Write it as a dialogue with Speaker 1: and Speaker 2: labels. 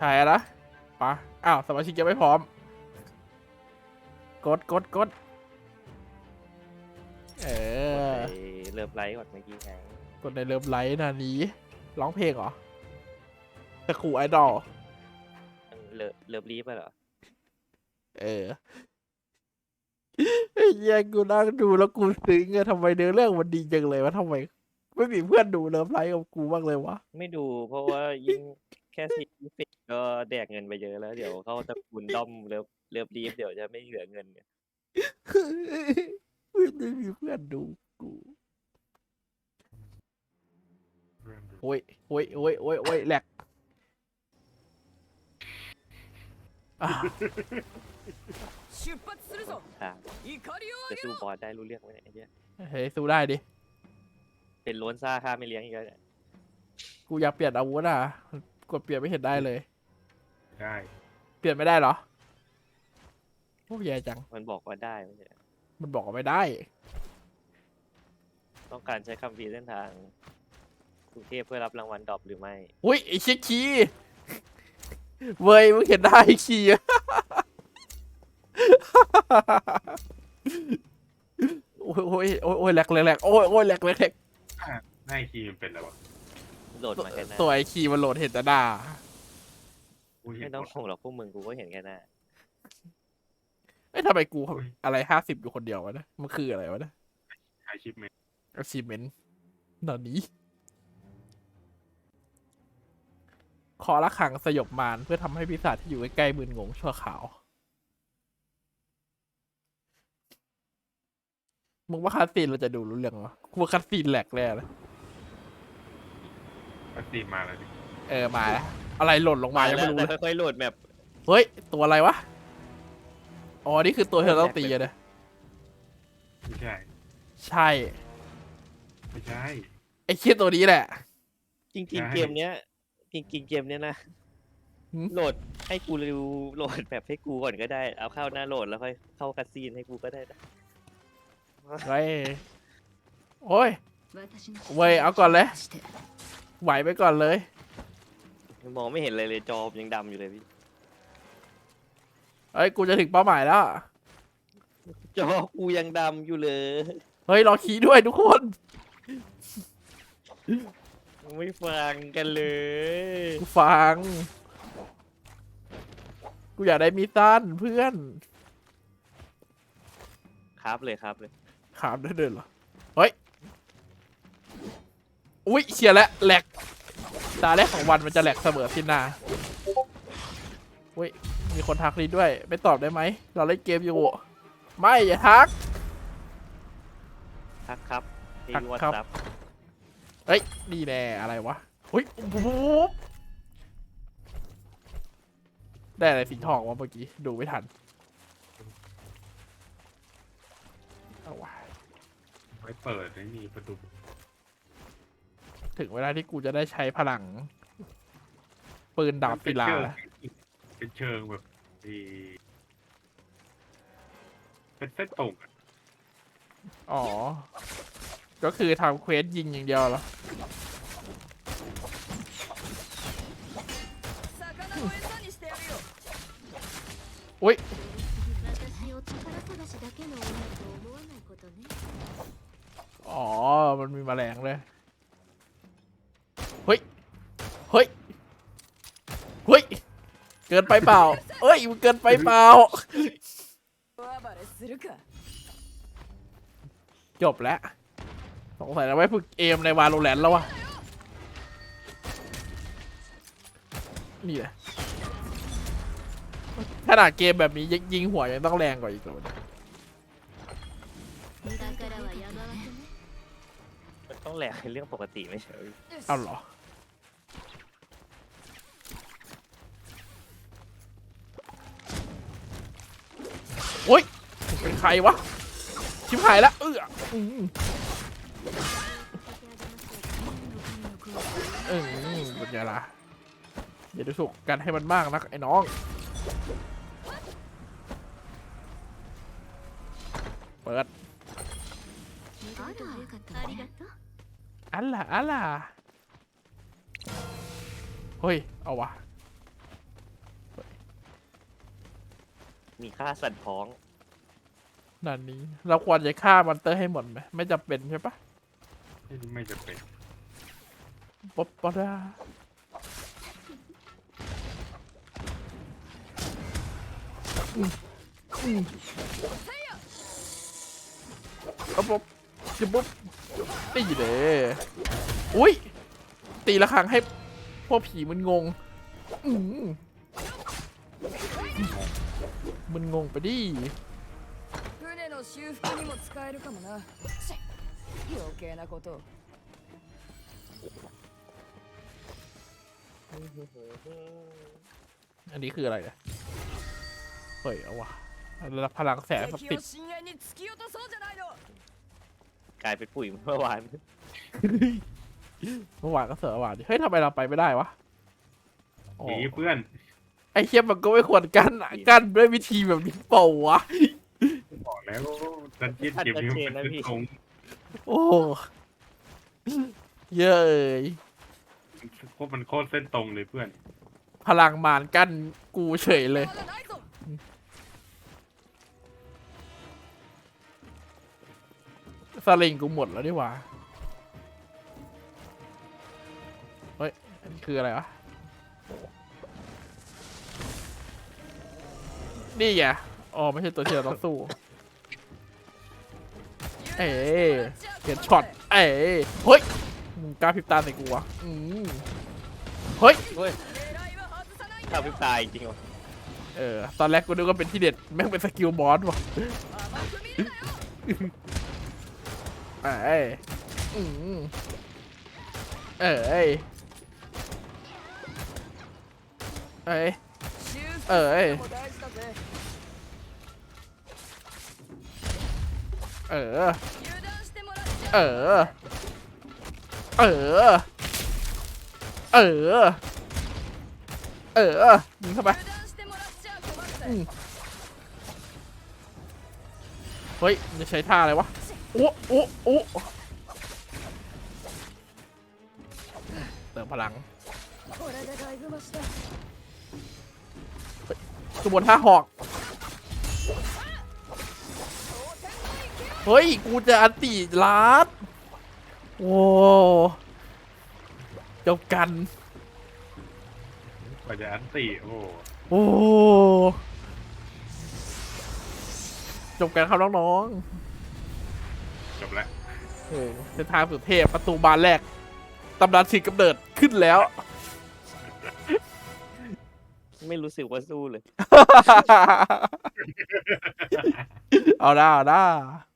Speaker 1: ช่นะปะอ้าวสมาชิกยังไม่พร้อมกดเอ
Speaker 2: กด
Speaker 1: อ
Speaker 2: ไปเริ่มไลฟ์ก่อนเมื่อกี้ไง
Speaker 1: กดในเลิฟไลท์นานี้ร้องเพลงเหรอตะครูไอดอล
Speaker 2: เริ่มรีบไปเหรอ
Speaker 1: เออไอ้เหี้ยกูนั่งดูแล้วกูซึ้งอะทำไมเนื้อเรื่องมันดีจังเลยวะทำไมไม่มีเพื่อนดูเลิฟไลท์กับกูบ้างเลยวะ
Speaker 2: ไม่ดูเพราะว่ายิ่งแค่40ก็แดกเงินไปเยอะแล้วเดี๋ยวเขาตระกูลด้อมเริ่มรีบเดี๋ยวจะไม่เหลือเงินเนี่ย
Speaker 1: ไม่มีเพื่อนดูกูโอ้ยแหลกอ่ะ
Speaker 3: 出発するぞ
Speaker 2: อ่า
Speaker 3: 怒りを
Speaker 2: จะ
Speaker 3: あげ
Speaker 2: สู้
Speaker 3: ろ
Speaker 2: บอสได้รู้เรื่องไหมเนี่ยไอ้เหี้ย
Speaker 1: เฮ้ยสู้ได้ดิ
Speaker 2: เป็นโล้นซ่าข้าไม่เลี้ยงอีกแล้วเนี่ย
Speaker 1: กูอยากเปลี่ยนอาวุธอ่ะกดเปลี่ยนไม่เห็นได้เลย
Speaker 4: ได้
Speaker 1: เปลี่ยนไม่ได้เหรอโอ้แย่จัง
Speaker 2: มันบอกว่าได้ไม่ใช่
Speaker 1: มันบอกว่าไม่ได้
Speaker 2: ต้องการใช้คำพีร์เส้นทางกรุงเทพเพื่อรับรางวัลดรอปหรือไม่
Speaker 1: อุ้ยไอ้เชี่ยคีเว้ยมึงเห็นได้คีโอ้ยแหลกโอ้ยแหลก
Speaker 4: ได้คีย์มันเป็นอะไรวะ
Speaker 2: โหลดมาแค่หน้า
Speaker 1: ตัวไอ้คีมันโหลดเห็นแต่หน้า
Speaker 4: กูเห็
Speaker 2: ไม่
Speaker 4: น
Speaker 2: ต้อง
Speaker 4: หมด
Speaker 2: ห่วงหรอกพวกมึงกูก็เห็นแค่หน้า
Speaker 1: เอ้ยทำไมกูอะไร50อยู่คนเดียววะนะมันคืออะไรวะนะ
Speaker 4: ไอชิปเมน
Speaker 1: achievement ตอนนี้ขอละขังสยบมารเพื่อทำให้ปีศาจที่อยู่ใกล้ๆมึนงงชั่วขาวมึงว่าคัสซีนเราจะดูรู้เรื่องวะกูว่าคัสซีนแหลกเลยนะ
Speaker 4: วัคซีนมาแล้วดิ
Speaker 1: มาแล้วอะไรหล่นลงมายัง
Speaker 2: แล้
Speaker 1: ไม่
Speaker 2: ว
Speaker 1: รู้
Speaker 2: แต่
Speaker 1: เลย
Speaker 2: ค่อยๆโหลดแมป
Speaker 1: เฮ้ยตัวอะไรวะอ๋อนี่คือตัวที่เราต้องตีอะนะ
Speaker 4: ไม่ใช่
Speaker 1: ใช่
Speaker 4: ไม่ใช่
Speaker 1: ไอ้เคียตัวนี้แหละ
Speaker 2: จริง
Speaker 4: ใช่
Speaker 2: ๆเกมเนี้ยจริงๆเกมเนี้ยนะ
Speaker 1: หืม
Speaker 2: โหลดให้กูรีวิวโหลดแบบให้กูก่อนก็ได้เอาเข้าหน้าโหลดแล้วค่อยเข้าคัสซีนให้กูก็ได้นะ
Speaker 1: เฮ้ยโอ้ย เว้ยเอาก่อนเลย ไหวไปก่อนเลย
Speaker 2: มองไม่เห็นเลยจอมยังดำอยู่เลยพี่
Speaker 1: เฮ้ยกูจะถึงเป้าหมายแล้ว
Speaker 2: จอกูยังดำอยู่เลย
Speaker 1: เฮ้ยรอคีย์ด้วยทุกคน
Speaker 2: ไม่ฟังกันเลย
Speaker 1: กูฟัง กูอยากได้มีดสั้นเพื่อน
Speaker 2: ครับเลยครับเลย
Speaker 1: ขามได้เดินเหรอ เฮ้ย อุ๊ยเชียร์แล้วแหลกตาแรกของวันมันจะแหลกเสมอที่หน้าอุ๊ยมีคนทักนี้ด้วย ไม่ตอบได้ไหม เราเล่นเกมอยู่ ไม่อย่าทัก
Speaker 2: ทักครับที่
Speaker 1: ทัก
Speaker 2: วอท
Speaker 1: ครับ
Speaker 2: ซับ
Speaker 1: เฮ้ยนี่แน่อะไรวะเฮ้ยปุ๊บได้อะไรสีทองวะเมื่อกี้ ดูไม่ทันเอาวะ
Speaker 4: ไว้เปิดไอ้นี่ประตู
Speaker 1: ถึงเวลาที่กูจะได้ใช้พลัง ปืนดาบศิลาแล้ว
Speaker 4: เป็นเชิงแบบดีเป็นเส้นตรงอะ
Speaker 1: อ๋อ ก็คือทำเควสยิงอย่างเดียวเหรอ
Speaker 3: 魚を餌にしてやるよ
Speaker 1: อุ้ย
Speaker 5: 私を宝探しだけの女と思わないことね。
Speaker 1: อ๋อ มันมีแมลงเลย เฮ้ย เฮ้ย เฮ้ย เกินไปเปล่า เอ้ย มันเกินไปเปล่า
Speaker 3: 大暴れするか
Speaker 1: จบแล้ว สงสัยเราไว้ฝึกเอมในวาโลแรนต์แล้ววะ นี่แหละขนาดเกมแบบนี้ยิงหัวยังต้องแรงกว่าอีกเลย
Speaker 5: だからは山分けね。
Speaker 2: มันต้องแหลกเป็นเรื่องปกติไม่ใช่เหรอ
Speaker 1: เอาเหรอ โอ๊ยเป็นใครวะ ชิบหายแล้วเป็นไงล่ะอย่าดูถูกกันให้มันมากนักไอ้น้อง เปิด
Speaker 5: あら、ありがとう。
Speaker 1: อัลล่ะเฮ้ย เอาวะ
Speaker 2: มีค่าสั่นท้อง
Speaker 1: ด่านนี้ เราควรจะฆ่ามอนเตอร์ให้หมดไหมไม่จำเป็นใช่ปะ
Speaker 4: ไม่จะเป็น
Speaker 1: ป๊อปปะดาเอาป๊อปจะปุ๊บตีเลยอุ้ยตีละครั้งให้พวกผีมันงงอืมมันงงไปดิ
Speaker 3: 船の修復にも使えるかもな余計なことを
Speaker 1: อันนี้คืออะไรเนี่ยเฮ้ยเอาวะแล้วพลังแสงส
Speaker 3: 敵
Speaker 1: ติ
Speaker 3: を
Speaker 1: ด
Speaker 3: 深淵に突き落とそうじゃないの
Speaker 2: กลายเป็นปุ๋ยเมื่อวาน
Speaker 1: เมื่อวานก็เสือวานดิเฮ้ยทำไมเราไปไม่ได้วะอ๋อ
Speaker 4: หนีเพื่อน
Speaker 1: ไอ้เคียมันก็ไม่ควรกั้นอะกั้นด้วยวิธีแบบนี้เปล่าวะ
Speaker 4: บอกแล้วดันเจี้ยนเกมนี้มันเป็นเส้นตรง
Speaker 1: โอ้เยอะเอ้ย
Speaker 4: มันโคตรเส้นตรงเลยเพื่อน
Speaker 1: พลังมารกั้นกูเฉยเลย
Speaker 3: まだないぞ
Speaker 1: สลิงกูหมดแล้วดีกว่าเฮ้ยอันนี้คืออะไรวะนี่ไงอ๋อไม่ใช่ตัวที่เราต้องสู้ เอ้ยเห็นช็อตเอ้ยเฮ้ยมึงกล้าพริบตาใส่กูวะเฮ้ย
Speaker 2: เฮ้ย
Speaker 3: 狙いは外さないんだ
Speaker 2: ข้าวพิบตายจริงเหรอ
Speaker 1: ตอนแรกกูนึกว่าเป็นที่เด็ดแม่งเป็นสกิลบอสว่ะ
Speaker 3: 甘く見るなよ
Speaker 1: เอ้ยเอ้ยเอ้ย
Speaker 3: 修復
Speaker 1: ええ
Speaker 3: も大事だぜ
Speaker 1: เออ
Speaker 3: 油断してもらっちゃ
Speaker 1: เออ เออ เออ เออยิงเข้าไป
Speaker 3: 油断してもらっちゃ困るぜ
Speaker 1: เฮ้ยมันจะใช้ท่าอะไรวะโอ้โอ้โอ้เติมพลัง
Speaker 3: これでだいぶマシだ
Speaker 1: กระบวนท่าหอก เฮ้ย กูจะอันติลาดโอ้เจ้ากัน
Speaker 4: กว่าจะอันติโอ้โห
Speaker 1: โอ้จบกันครับน้อง
Speaker 4: จบแล้ว
Speaker 1: ๆโอ้เส้นทางสุดเทพประตูบานแรก ตำนานฉีกกำเนิดขึ้นแล้ว
Speaker 2: ไม่รู้สึกว่าสู้เลย
Speaker 1: เอาได้